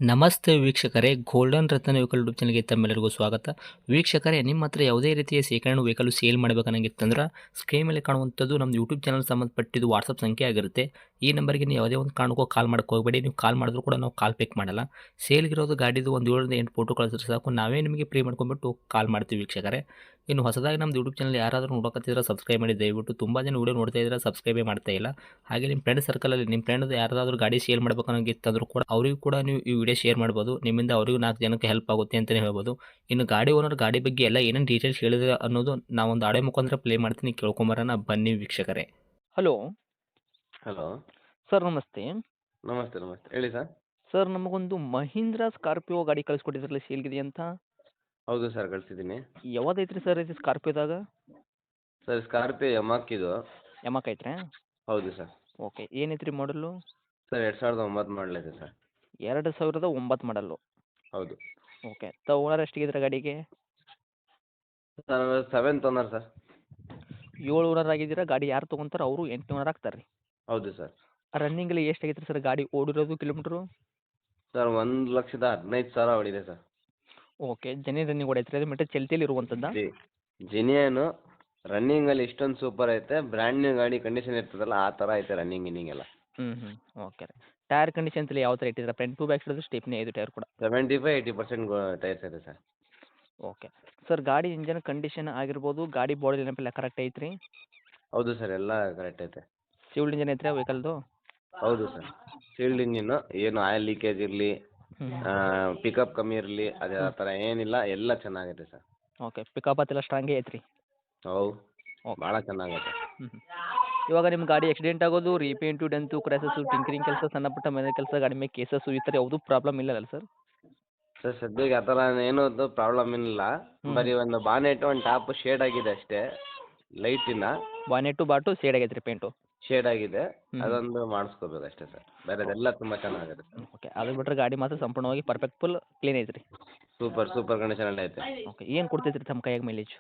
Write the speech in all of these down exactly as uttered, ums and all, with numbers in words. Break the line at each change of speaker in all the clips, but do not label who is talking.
ನಮಸ್ತೆ ವೀಕ್ಷಕರೇ, ಗೋಲ್ಡನ್ ರತ್ನ vehicle YouTube ಚಾನಲ್ಗೆ ತಮ್ಮೆಲ್ಲರಿಗೂ ಸ್ವಾಗತ. ವೀಕ್ಷಕರೇ, ನಿಮ್ಮ ಹತ್ರ ಯಾವುದೇ ರೀತಿಯ ಶೇಖರಣೆ ವೆಹಿಕಲ್ ಸೇಲ್ ಮಾಡಬೇಕನ್ನಂಗಿತ್ತಂದ್ರೆ ಸ್ಕ್ರೀನ್ ಮೇಲೆ ಕಾಣುವಂಥದ್ದು ನಮ್ಮ ಯೂಟ್ಯೂಬ್ ಚಾನಲ್ ಸಂಬಂಧಪಟ್ಟಿದ್ದು ವಾಟ್ಸಪ್ ಸಂಖ್ಯೆ ಆಗಿರುತ್ತೆ. ಈ ನಂಬರ್ಗೆ ನೀವು ಯಾವುದೇ ಒಂದು ಕಾರಣಕ್ಕೂ ಕಾಲ್ ಮಾಡಕ್ಕೆ ಹೋಗಬೇಡಿ. ನೀವು ಕಾಲ್ ಮಾಡಿದ್ರು ಕೂಡ ನಾವು ಕಾಲ್ ಪಿಕ್ ಮಾಡಲ್ಲ. ಸೇಲ್ಗಿರೋದು ಗಾಡಿದು ಒಂದು ಏಳರಿಂದ ಎಂಟು ಫೋಟೋ ಕಳಿಸಿದ್ರೆ ಸಾಕು, ನಾವೇ ನಿಮಗೆ ಪ್ರೀ ಮಾಡ್ಕೊಂಡ್ಬಿಟ್ಟು ಕಾಲ್ ಮಾಡ್ತೀವಿ ವೀಕ್ಷಕರೇ. ಇನ್ನು ಹೊಸದಾಗಿ ನಮ್ಮದು ಯೂಟ್ಯೂಬ್ ಚಾನಲ್ ಯಾರಾದರೂ ನೋಡೋಕತ್ತಿದ್ರೆ ಸಬ್ಸ್ಕ್ರೈಬ್ ಮಾಡಿ ದಯವಿಟ್ಟು. ತುಂಬ ಜನ ವೀಡಿಯೋ ನೋಡ್ತಾ ಇದ್ದಾರೆ, ಸಬ್ಸ್ಕ್ರೈಬೇ ಮಾಡ್ತಾ ಇಲ್ಲ. ಹಾಗೆ ನಿಮ್ಮ ಫ್ರೆಂಡ್ ಸರ್ಕಲಲ್ಲಿ ನಿಮ್ಮ ಫ್ರೆಂಡ್ ಯಾರಾದರೂ ಗಾಡಿ ಸೇಲ್ ಮಾಡ್ಬೇಕನ್ನೋಂಗಿತ್ತಂದ್ರೂ ಕೂಡ ಅವರಿಗೂ ಕೂಡ ನೀವು ಈ ವಿಡಿಯೋ ಶೇರ್ ಮಾಡ್ಬೋದು. ನಿಮ್ಮಿಂದ ಅವರಿಗೂ ನಾಲ್ಕು ಜನಕ್ಕೆ ಹೆಲ್ಪ್ ಆಗುತ್ತೆ ಅಂತಲೇ ಹೇಳ್ಬೋದು. ಇನ್ನು ಗಾಡಿ ಓನರ್ ಗಾಡಿ ಬಗ್ಗೆ ಎಲ್ಲ ಏನೇನು ಡೀಟೇಲ್ಸ್ ಹೇಳಿದ್ರೆ ಅನ್ನೋದು ನಾವೊಂದು ಆಡೆ ಮುಖಾಂತರ ಪ್ಲೇ ಮಾಡ್ತೀನಿ, ಕೇಳ್ಕೊಂಬರೋಣ ಬನ್ನಿ ವೀಕ್ಷಕರೇ. ಹಲೋ
ಹಲೋ
ಸರ್, ನಮಸ್ತೆ.
ನಮಸ್ತೆ ನಮಸ್ತೆ ಹೇಳಿ ಸರ್.
ಸರ್, ನಮಗೊಂದು ಮಹೀಂದ್ರಾ ಸ್ಕಾರ್ಪಿಯೋ ಗಾಡಿ ಕಳಿಸ್ಕೊಟ್ಟಿದ್ರಲ್ಲ, ಸೇಲ್ಗಿದೆ ಅಂತ.
ಹೌದು ಸರ್, ಕಳಿಸಿದ್ದೀನಿ.
ಯಾವ್ದೈತ್ರಿ ಸರ್ ಇದು ಸ್ಕಾರ್ಪಿಯೋದಾಗ?
ಸರ್, ಸ್ಕಾರ್ಪಿಯೋ ಯಮಾಕ್ ಇದು.
ಯಮಕ್ ಐತ್ರಿ?
ಹೌದು ಸರ್.
ಓಕೆ, ಏನೈತ್ರಿ ಮಾಡಲು?
ಸರ್, ಎರಡು ಸಾವಿರದ ಒಂಬತ್ತು ಮಾಡಲ್ ಇದೆ ಸರ್.
ಎರಡು ಸಾವಿರದ ಒಂಬತ್ತು ಮಾಡಲ್ಲು.
ಹೌದು
ಓಕೆ, ತ ಓನರ್ ಎಷ್ಟಿಗಿದ್ರೆ ಗಾಡಿಗೆ?
Sir, seventh owner sir.
ಏಳು ಓನರ್ ಆಗಿದ್ದೀರಾ. ಗಾಡಿ ಯಾರು ತೊಗೊಂತಾರೆ ಅವರು ಎಂಟು ಓನರ್ ಆಗ್ತಾರೆ ರೀ.
ಹೌದು ಸರ್.
ರನ್ನಿಂಗಲ್ಲಿ ಎಷ್ಟಾಗೈತೆ ಸರ್ ಗಾಡಿ ಓಡಿರೋದು ಕಿಲೋಮೀಟ್ರು?
ಸರ್, ಒಂದು ಲಕ್ಷದ ಹದಿನೈದು ಸಾವಿರ ಹೊಡಿದೆ ಸರ್.
ಓಕೆ, ಜನಿ ರನ್ನಿಂಗ್ ಹೊಡೈತ್ರಿ ಅದು ಮೀಟರ್ ಚಲ್ತಿಯಲ್ಲಿ ಇರುವಂಥದ್ದು?
ಜಿ ಜಿನಿಯನು ರನ್ನಿಂಗಲ್ಲಿ ಇಷ್ಟೊಂದು ಸೂಪರ್ ಐತೆ. ಬ್ರ್ಯಾಂಡ್ ನ್ಯೂ ಗಾಡಿ ಕಂಡೀಷನ್ ಇರ್ತದಲ್ಲ ಆ ಥರ ಐತೆ ರನ್ನಿಂಗ್ ಗಿನ್ನಿಂಗ್ ಎಲ್ಲ.
ಹ್ಞೂ ಹ್ಞೂ ಓಕೆ ರೀ. ಟೈರ್ ಕಂಡೀಷನ್ಸ್ ಎಲ್ಲ ಯಾವ ಥರ ಇಟ್ಟಿದ್ರೆ? Front to back side stepney ಐದು ಟೈರ್ ಕೂಡ?
Seventy five eighty percent tyres ಇದೆ ಸರ್.
ಓಕೆ ಸರ್, ಗಾಡಿ ಇಂಜನ್ ಕಂಡೀಷನ್ ಆಗಿರ್ಬೋದು, ಗಾಡಿ ಬಾಡಿ ನೆನಪೆಲ್ಲ ಕರೆಕ್ಟ್ ಐತ್ರಿ?
ಹೌದು ಸರ್, ಎಲ್ಲ ಕರೆಕ್ಟ್ ಐತೆ.
ಸಿವಿಲ್ ಇಂಜನ್ ಐತ್ರಿ ವೆಹಿಕಲ್ದು?
ಹೌದು ಸರ್. ಶೀಲ್ಡ್ ಇಂಜಿನ್ನು, ಏನು ಆಯಿಲ್ ಲೀಕೇಜ್ ಇರಲಿ,
ಹ್ಞೂ
ಪಿಕಪ್ ಕಮ್ಮಿ ಇರಲಿ, ಅದೇ ಆ ಥರ ಏನಿಲ್ಲ, ಎಲ್ಲ ಚೆನ್ನಾಗೈತೆ ಸರ್.
ಓಕೆ, ಪಿಕಪ್ ಅದೆಲ್ಲ ಸ್ಟ್ರಾಂಗೇ ಐತ್ರಿ?
ಹೌದು,
ಓಕೆ.
ಭಾಳ ಚೆನ್ನಾಗೈತೆ.
ಹ್ಞೂ ಹ್ಞೂ ಇವಾಗ ನಿಮ್ಮ ಗಾಡಿ ಆಕ್ಸಿಡೆಂಟ್ ಆಗೋದು, ರೀಪೇಂಟು, ಡೆಂತು, ಕ್ರ್ಯಾಸಸ್ಸು, ಟಿಂಕರಿಂಗ್ ಕೆಲಸ, ಸಣ್ಣ ಪುಟ್ಟ ಮನೆ ಕೆಲಸ, ಗಾಡಿ ಮೇಲೆ ಕೇಸಸ್ಸು, ಈ ಥರ ಯಾವುದೂ ಪ್ರಾಬ್ಲಮ್ ಇಲ್ಲಲ್ಲ ಸರ್?
ಸರ್, ಸದ್ಯಕ್ಕೆ ಆ ಥರ ಏನೂ ಪ್ರಾಬ್ಲಮ್ ಏನಿಲ್ಲ.
ಹ್ಞೂ
ಬರೀ ಒಂದು ಬಾನೆಟು ಒಂದು ಟಾಪ್ ಶೇಡ್ ಆಗಿದೆ ಅಷ್ಟೇ, ಲೈಟಿನ
ಬಾನೆಟು ಬಾಟು ಸೇಡ್ ಆಗೈತೆ ರೀ ಪೇಂಟು?
ಶೇಡ್ ಆಗಿದೆ,
ಹ್ಞೂ
ಅದೊಂದು ಮಾಡಿಸ್ಕೋಬೇಕು ಅಷ್ಟೇ ಸರ್. ಬೇರೆದೆಲ್ಲ ತುಂಬ ಚೆನ್ನಾಗಿದೆ ಸರ್.
ಓಕೆ, ಅದು ಬಿಟ್ಟರೆ ಗಾಡಿ ಮಾತ್ರ ಸಂಪೂರ್ಣವಾಗಿ ಪರ್ಫೆಕ್ಟ್ ಫುಲ್ ಕ್ಲೀನ್ ಐತ್ರಿ?
ಸೂಪರ್ ಸೂಪರ್ ಕಂಡೀಷನಲ್ಲಿ ಐತೆ.
ಓಕೆ, ಏನು ಕೊಡ್ತೈತ್ರಿ ತಮ್ಮ ಕೈಯಾಗ ಮೈಲೇಜ್?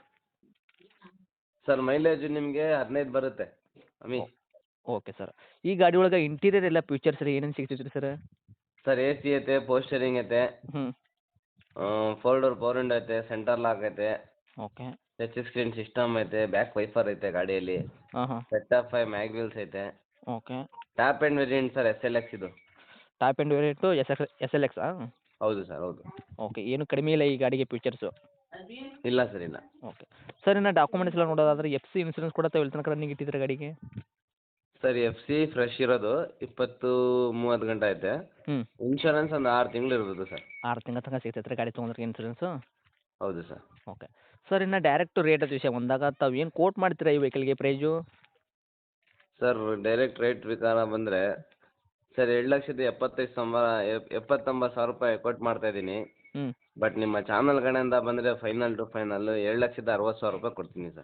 ಸರ್, ಮೈಲೇಜು ನಿಮಗೆ ಹದಿನೈದು ಬರುತ್ತೆ ಅಮ್ಮಿ.
ಓಕೆ ಸರ್, ಈ ಗಾಡಿ ಒಳಗೆ ಇಂಟೀರಿಯರ್ ಎಲ್ಲ ಫೀಚರ್ಸ್ ರೀ ಏನೇನು ಸಿಗ್ತೈತೆ ರೀ ಸರ್?
ಸರ್, ಎ ಸಿ ಐತೆ, ಪೋಸ್ಟರಿಂಗ್ ಐತೆ,
ಹ್ಞೂ
ಫೋರ್ ಡೋರ್ ಪವರ್ ವಿಂಡೋ ಐತೆ, ಸೆಂಟರ್ ಲಾಕ್ ಐತೆ,
ಓಕೆ.
ಟಚ್ ಸ್ಕ್ರೀನ್ ಸಿಸ್ಟಮ್ ಐತೆ, ಬ್ಯಾಕ್ ವೈಫರ್ ಐತೆ ಗಾಡಿಯಲ್ಲಿ,
ಹಾಂ ಹಾಂ
set of five mag wheels ಐತೆ.
Okay.
Top end variant sir, S L X ಇದು.
Top end variant S X S L ಎಕ್ಸಾ?
ಹೌದು ಸರ್, ಹೌದು.
ಓಕೆ, ಏನು ಕಡಿಮೆ ಇಲ್ಲ ಈ ಗಾಡಿಗೆ ಫೀಚರ್ಸು?
ಇಲ್ಲ ಸರ್, ಇಲ್ಲ.
ಓಕೆ ಸರ್, ಇನ್ನು ಡಾಕ್ಯುಮೆಂಟ್ಸ್ ಎಲ್ಲ ನೋಡೋದಾದ್ರೆ ಎಫ್ ಸಿ ಇನ್ಸೂರೆನ್ಸ್ ಕೂಡ ತಾವು ಎಲ್ಲಿ ತನಕ ರನ್ನಿಂಗ್ ಇಟ್ಟಿದ್ರೆ ಗಾಡಿಗೆ?
ಸರ್, ಎಫ್ ಸಿ ಫ್ರೆಶ್ ಇರೋದು ಇಪ್ಪತ್ತು ಮೂವತ್ತು ಗಂಟೆ ಐತೆ.
ಹ್ಞೂ
ಇನ್ಶೂರೆನ್ಸ್ ಒಂದು ಆರು ತಿಂಗಳು ಇರ್ಬೋದು ಸರ್.
ಆರು ತಿಂಗಳ ತನಕ ಸಿಗ್ತೈತೆ ರೀ ಗಾಡಿ ತೊಗೊಂಡ್ರೆ ಇನ್ಸೂರೆನ್ಸು?
ಹೌದು ಸರ್.
ಓಕೆ ಸರ್, ಇನ್ನು ಡೈರೆಕ್ಟ್ ರೇಟ್ ವಿಷಯ ಬಂದಾಗ ತಾವು ಏನು ಕೋಟ್ ಮಾಡ್ತೀರಾ ಈ ವೆಹಿಕಲ್ಗೆ ಪ್ರೈಜು?
ಸರ್, ಡೈರೆಕ್ಟ್ ರೇಟ್ ಪ್ರಕಾರ ಬಂದರೆ ಸರ್ ಎರಡು ಲಕ್ಷದ ಎಪ್ಪತ್ತೈದು ಸಾವಿರ ಎಪ್ಪತ್ತೊಂಬತ್ತು ಸಾವಿರ ರೂಪಾಯಿ ಕೊಟ್ಟು ಮಾಡ್ತಾ ಇದ್ದೀನಿ.
ಹ್ಞೂ
ಬಟ್ ನಿಮ್ಮ ಚಾನಲ್ ಕಡೆಯಿಂದ ಬಂದರೆ ಫೈನಲ್ ಟು ಫೈನಲ್ ಎರಡು ಲಕ್ಷದ ಅರವತ್ತು ಸಾವಿರ ರೂಪಾಯಿ ಕೊಡ್ತೀನಿ sir.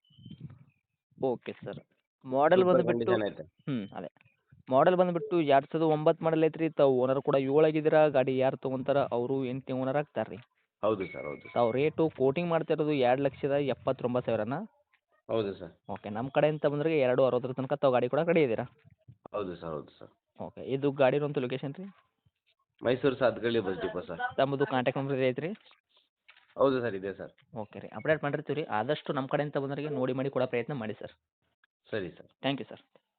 Okay sir, model
super
ಬಂದುಬಿಟ್ಟು
ಕಂಡೀಷನ್ ಐತೆ.
ಹ್ಞೂ ಅದೇ ಮಾಡೆಲ್ ಬಂದುಬಿಟ್ಟು ಎರಡು ಸಾವಿರದ ಒಂಬತ್ತು ಮಾಡಲ್ ಐತ್ರಿ. ತಾವು ಓನರ್ ಕೂಡ ಏಳು ಆಗಿದ್ದೀರಾ. ಗಾಡಿ ಯಾರು ತೊಗೊಂತಾರ ಅವರು ಎಂಟನೇ ಓನರ್ ಆಗ್ತಾರೆ ರೀ.
ಹೌದು ಸರ್, ಹೌದು.
ತಾವು ರೇಟು ಕೋಟಿಂಗ್ ಮಾಡ್ತಾ ಇರೋದು ಎರಡು ಲಕ್ಷದ ಎಪ್ಪತ್ತೊಂಬತ್ತು ಸಾವಿರನ?
ಹೌದು ಸರ್.
ಓಕೆ, ನಮ್ಮ ಕಡೆಯಿಂದ ಬಂದರೆ ಎರಡು ಅರವತ್ತರ ತನಕ ತಾವು ಗಾಡಿ ಕೂಡ ರೆಡಿ ಇದ್ದೀರಾ?
ಹೌದು ಸರ್, ಹೌದು ಸರ್.
ಓಕೆ, ಇದು ಗಾಡಿರೋಂಥ ಲೊಕೇಶನ್ ರೀ?
Mysuru Sathagalli bus depot sir.
ತಮ್ಮದು ಕಾಂಟ್ಯಾಕ್ಟ್ ನಂಬರ್ ಐತ್ರಿ?
ಹೌದು ಸರ್, ಇದೆ ಸರ್.
ಓಕೆ ರೀ, ಅಪ್ಡೇಟ್ ಮಾಡಿರ್ತೀವಿ ರೀ. ಆದಷ್ಟು ನಮ್ಮ ಕಡೆಯಿಂದ ಬಂದವರಿಗೆ ನೋಡಿ ಮಾಡಿ ಕೊಡೋ ಪ್ರಯತ್ನ ಮಾಡಿ ಸರ್.
ಸರಿ ಸರ್.
Thank you sir.